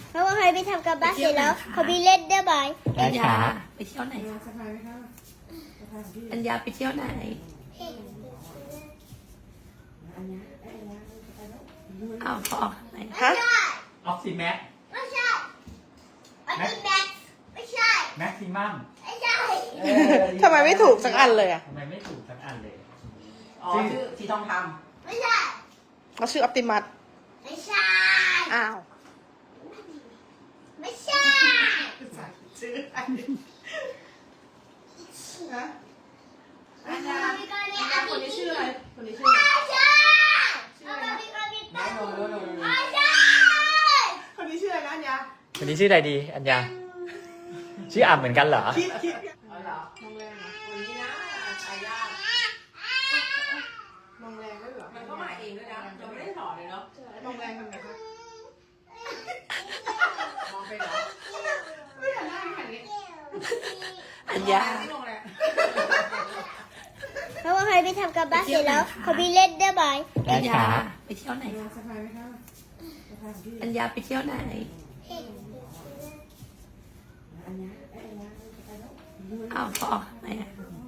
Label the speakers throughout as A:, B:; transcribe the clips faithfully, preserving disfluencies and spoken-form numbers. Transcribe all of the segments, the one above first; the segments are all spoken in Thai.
A: เพราะว่าใครไปทำกับบ้านเสร็จแล้วเขาไปเล่นได้ไหม
B: ได้
C: อัญ
B: ครั
C: ญา
B: บ
C: ไปเที่ยวไหน
D: สบายไหมคะสบายของพี่
C: อัญญาไปเที่ยวไหน
D: อันนี้ไอ้อันนี้ไปแล้ว
C: อ้าวพอออกทำไม
A: ฮะ
B: ออกซิแม็ก
A: ไม่ใช่อันนี้แม็กซ์ไม่ใช่
B: แม็กซิมัม
A: ไม่ใช่
E: ทำไมไม่ถูกสักอันเลยอ่ะ
B: ทำไมไม่ถูกสักอันเลย
D: อ๋อชื่อสีทองค
A: ไม่ใช่
E: เขาชื่อออปติมัส
A: ไม่ใช่
E: อ้าว
A: ไม่ใช่
D: ำชื่ออันนี้ฮะอันนี้
A: เอาไปก่อนเนี่ย
D: อัน
A: เอา
D: นี้
A: ไป
D: คนนี้ชื่ออะไรคนนี้ชื่อ
A: ไม่
D: อะไร
A: ใช่เอาไปก่อนเนี่ย
D: น้องโนโนโนโน
A: ไม่ใช่
D: คนนี้ชื่ออะไรนะอันยา
B: วันนี้ชื่ออะไรดี อัญญาชื่ออ่ำเหมือนกันเหรอ
D: คิดคิดอ๋อเหรอมองแรงเหรอวันนี้นะอายามองแรงด้วยเหรอ
F: มันก็มาเองด้วยนะเราไม่ได้ถอดเลยเนาะ
D: มองแรงทำไงคะ
F: มองไปเหรอ
D: ไม่หันหน้าไม่หันนี้
C: อัญญา
F: ไม่ลงแหละ
A: เพราะว่าใครไปทำกับบ้านเสร็จแล้วเขาไปเล่นได้ไหม
B: ได้
C: อัญ
B: ค
C: ญา
B: รับ
C: ไปเที่ยวไหน
D: สบายไหมคะสบายของพี่
C: อัญญาไปเที่ยวไหน
D: อันนี้ไอ้อันนี้ไปแล้ว
C: อ้าวพอออกทำไมอะ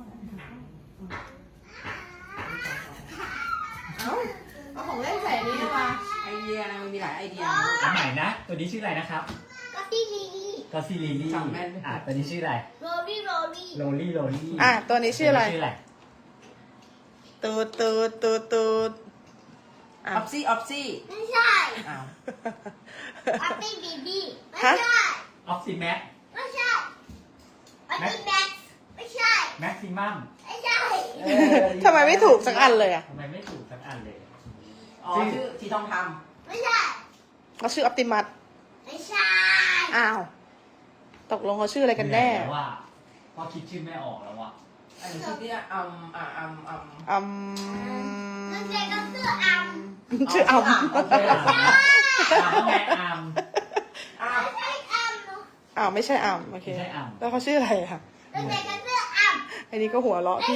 D: เอาเอาของเล่นใส่นี้มา
F: ไอเดียนะมันมีหลายไอเดีย
B: อันใหม่นะ ตัวนี้ชื่ออะไรนะครับ
A: ก็ที่ลี
B: ก็ซีรีลี่อ่ะตัวนี้ชื่ออะไร
A: โรลี่โรลี่
B: โรลี่โรลี่
E: อ่ะตัวนี้ชื่ออะไร
B: ตัวนี้ชื่ออะไร
E: ตูดตูดตูดตูด
F: อ
E: อ่ะ
F: อฟซี่ออฟซี่
A: ไม่ใช่
F: อ้าว
A: อัปปี้บีบีไม่
E: ฮะ
A: ใช่
B: ออกซิแม็ก
A: ไม่ใช่อันนี้แม็กซ์ไม่ใช่
B: แม็กซิมัม
A: ไม่ใช่
E: ทำไมไม่ถูกสักอันเลยอ่ะ
B: ทำไมไม่ถูกสักอันเลย
F: อ๋อชื่อสีทองค
A: ไม่ใช่
E: เขาชื่อออปติมัส
A: ไม่ใช่
E: อ้าว ตกลงเขาชื่ออะไรกันแน่
B: แล้วว่าพอคิดชื่อไม่ออกแล้วว่ะ
F: ำอันนี้ชื่อเนี่ยอัมอ่าอัมอัม
E: อืม
A: มันเป็นก็คืออัม
E: ชื่ออัม
B: โอเคอ่ะอ่ะแม็กอัม
F: อ้าว
A: ไม่ใช่อัม
E: อ้าวไม่ใช่อัมโอเค
B: ไม่ใช่อัม
E: แล้วเขาชื่ออะไรอ่ะ
A: มันเป็นก็คืออัม
E: อันนี้ก็หัวเราะพี่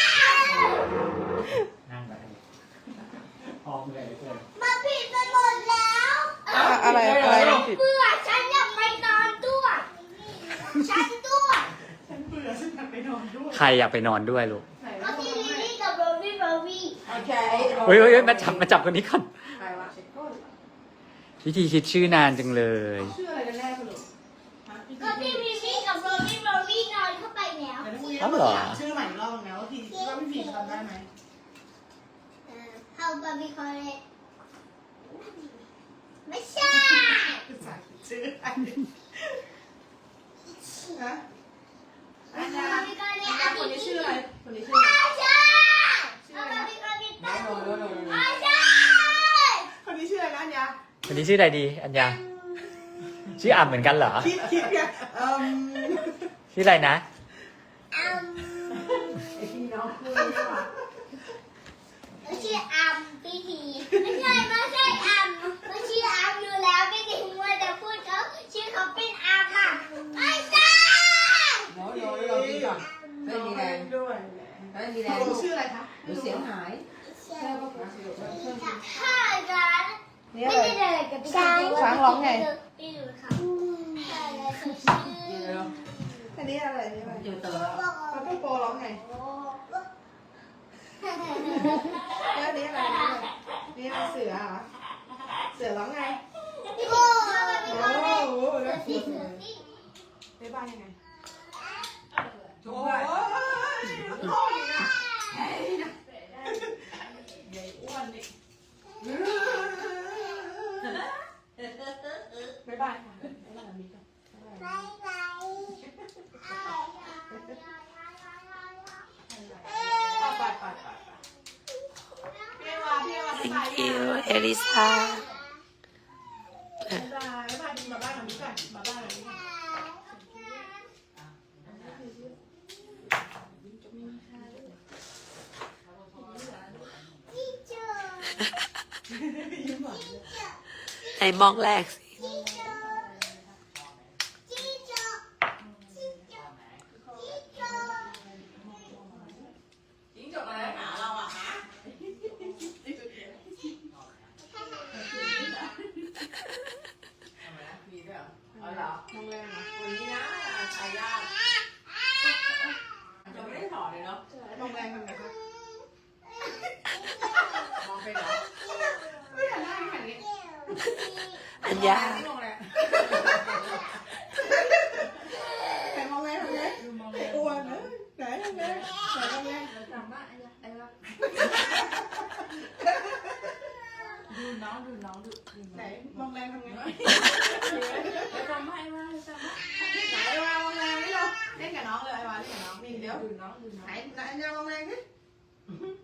B: นั่งไปออกเลยเลย
A: มาผิดไปหมดแล้ว
E: อะอะไรอะไรผิด
A: เบื่อฉันอยากไปนอนด้วยฉันด้วย
D: ฉันเบื่อฉันอยากไปนอนด้วย
B: ใครอยากไปนอนด้วยลูก
D: ไหน
A: ก็
D: ว่า
A: ที่ลิลลี่กับโรบี้โรบี้
F: โอเค
B: เฮ้ยเฮ้ยเฮ้ยมาจับมาจับคนนี้ก่อน
F: ใครวะ
B: วิธีคิดชื่อนานจังเลย
D: ชื่ออะไรกันแน่สรุป
A: ก็ที่ลิลลี่กับโรบี้โรบี้นอนเข้าไปแล้ว
D: แต่ถ้าพรุ่งนี้เราต้องถามชื่อใหม่อีกรอบนึงนะว่าพี่ว่าพี่ผีจำได้ไหม
A: เฮาบาร์บีคอนเลยไม่ใช่
D: ชื่ออันนี้ฮะอันนี้
A: บาร์บีคอนเลย
D: อั
A: อั
D: น
A: น
D: คนนี้
A: นี้
D: ชื่อ
A: ชื่อ
D: อะ
A: อะไร ไร
D: คนนี้ชื่ออะไร
A: ไม่ใช่เอาบาร์บีคอนนี่
F: น้องโนโนโนโน
A: ไม่ใช่
D: คนนี้ชื่ออะไรนะอันยา
B: วันนี้ชื่ออะไรดี อัญญาชื่ออ่ำเหมือนกันเหรอ
D: คิดคิดเนี่ยเอ่ม
B: ชื่ออะไรนะ
A: อัม
F: ไอพี่น้องคู่นี้ว่ะ
A: ไม่ใช่อัมพี่ทีไม่ใช่ไม่ใช่อัมมันชื่ออัมอยู่แล้วไม่ได้มัวแต่พูดเขาชื่อเขาเป็นอัมอ่ะไม่ใช่
F: โนโนโนพี่ก่อนไม่มีแรง
D: ด้วย
F: ไม่มีแร
D: ต
F: ง
D: กลงชื่ออะไรคะ
F: ดูเสียงหาย
A: ถ้ากัน
E: นี่
A: ไม่
E: อะไร
A: ได้เลยกับพี่
E: ช้างช้างร้องไง
A: ไม่รู้ค่ะใช่แล้วชื่อ
F: เดี๋ยว
D: อันนี้อะไรอันนี้อะไร
F: อยู่เต๋อ
D: ปาต้องโปร้องไงแล้วอันนี้อะไรนี่อะไรเสือเหรอเสือร้องไง
A: โอ้
D: โอ้โห
A: เสื
D: แล้ว
A: อ
D: เสื
A: สิ
D: อ
A: เสือสิ
D: บ๊ายบายยังไง
F: จุ๊
D: โอ้
F: บ
D: ย
F: ด้วย
D: โทษอีกนะ
F: ใหญ่อ้วนนี่
D: บ๊ายบายค่ะบ๊ายบายมิก่อน
A: บายบาย
D: ไปไปไปพี่วาพี่วาบ๊ายบาย
C: thank you เอลิซา
D: บ๊ายบายบ๊ายบายมาบ้านกับมิก่อนมาบ้านกับมิก่อนยิ้มหวานเลย
C: ไหนมองแรกสิ
F: จิ้งจกอะไรหาเราอ่ะฮะ
D: มีด้วย
F: อ๋อเหรอ
D: มองแรงเหรอ
F: วันนี้นะทายาทจะไม่ได้ถอดเลยเนาะ
D: มองแรงทำไงคะ
F: มองไปเหรอ
D: ไม่หันหน้าไม่หันนี้
C: อัญญา
D: ไม่มองแรงใครมองแรงทำไงกลัวเนอะไหนทำไงไหนทำไง
F: จำว่าไอ้ยะไอ้ยะดูน้องดูน้องดูดู
D: ไหน
F: น้อง
D: มองแรงทำไง
F: จำไม่ว่าจำไม่
D: ไหนไอ้วามองแรงนี่เราเล่นกับน้องเลยไอ้วาเล่นกับน้องนี่เดี๋ยว
F: ดูน้องดูน้อง
D: ไหนไหนอันยามองแรงสิ